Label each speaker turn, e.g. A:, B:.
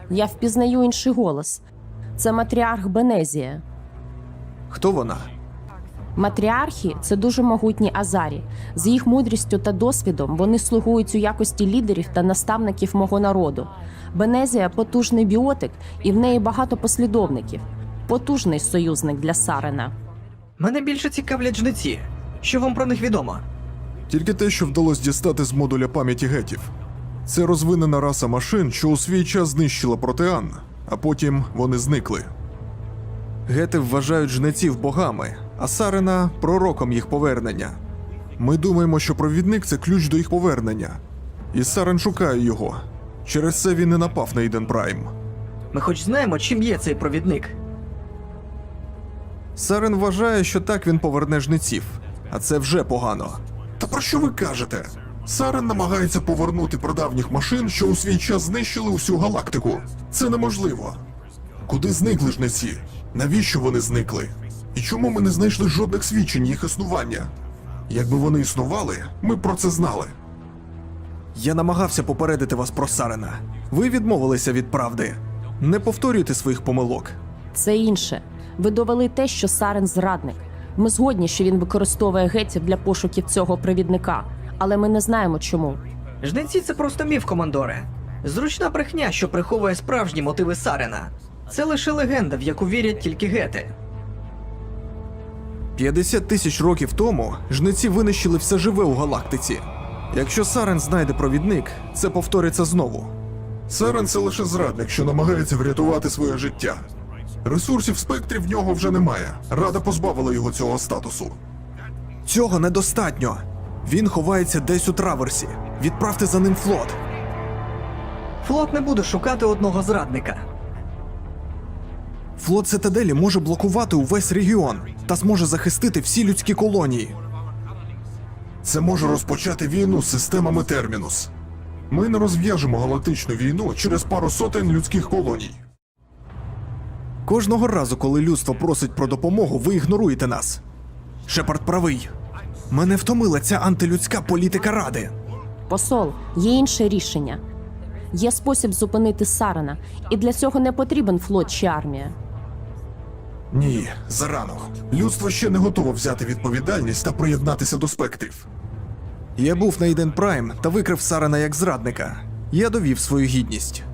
A: Я впізнаю інший голос. Це матріарх Бенезія.
B: Хто вона?
A: Матріархи – це дуже могутні азарі. З їх мудрістю та досвідом вони слугують у якості лідерів та наставників мого народу. Бенезія – потужний біотик, і в неї багато послідовників. Потужний союзник для Сарена.
C: Мене більше цікавлять жниці. Що вам про них відомо?
D: Тільки те, що вдалося дістати з модуля пам'яті гетів. Це розвинена раса машин, що у свій час знищила протеан, а потім вони зникли.
B: Гети вважають жнеців богами, а Сарена – пророком їх повернення.
D: Ми думаємо, що провідник – це ключ до їх повернення. І Сарен шукає його. Через це він і напав на Іден Прайм.
C: Ми хоч знаємо, чим є цей провідник?
B: Сарен вважає, що так він поверне жнеців, а це вже погано.
D: Та про що ви кажете? Сарен намагається повернути прадавніх машин, що у свій час знищили усю галактику. Це неможливо. Куди зникли жнеці? Навіщо вони зникли? І чому ми не знайшли жодних свідчень їх існування? Якби вони існували, ми б про це знали.
B: Я намагався попередити вас про Сарена. Ви відмовилися від правди. Не повторюйте своїх помилок.
A: Це інше. Ви довели те, що Сарен – зрадник. Ми згодні, що він використовує гетів для пошуків цього провідника, але ми не знаємо чому.
C: Жниці – це просто міф, командоре. Зручна брехня, що приховує справжні мотиви Сарена. Це лише легенда, в яку вірять тільки гети.
B: 50 тисяч років тому жнеці винищили все живе у галактиці. Якщо Сарен знайде провідник, це повториться знову.
D: Сарен – це лише зрадник, що намагається врятувати своє життя. Ресурсів в спектрі в нього вже немає. Рада позбавила його цього статусу.
B: Цього недостатньо. Він ховається десь у траверсі. Відправте за ним флот.
C: Флот не буде шукати одного зрадника.
B: Флот Цитаделі може блокувати увесь регіон та зможе захистити всі людські колонії.
D: Це може розпочати війну з системами Термінус. Ми не розв'яжемо галактичну війну через пару сотень людських колоній.
B: Кожного разу, коли людство просить про допомогу, ви ігноруєте нас. Шепард правий. Мене втомила ця антилюдська політика Ради.
A: Посол, є інше рішення. Є спосіб зупинити Сарена, і для цього не потрібен флот чи армія.
D: Ні, зарано. Людство ще не готово взяти відповідальність та приєднатися до спектрів.
B: Я був на Іден Прайм та викрив Сарена як зрадника. Я довів свою гідність.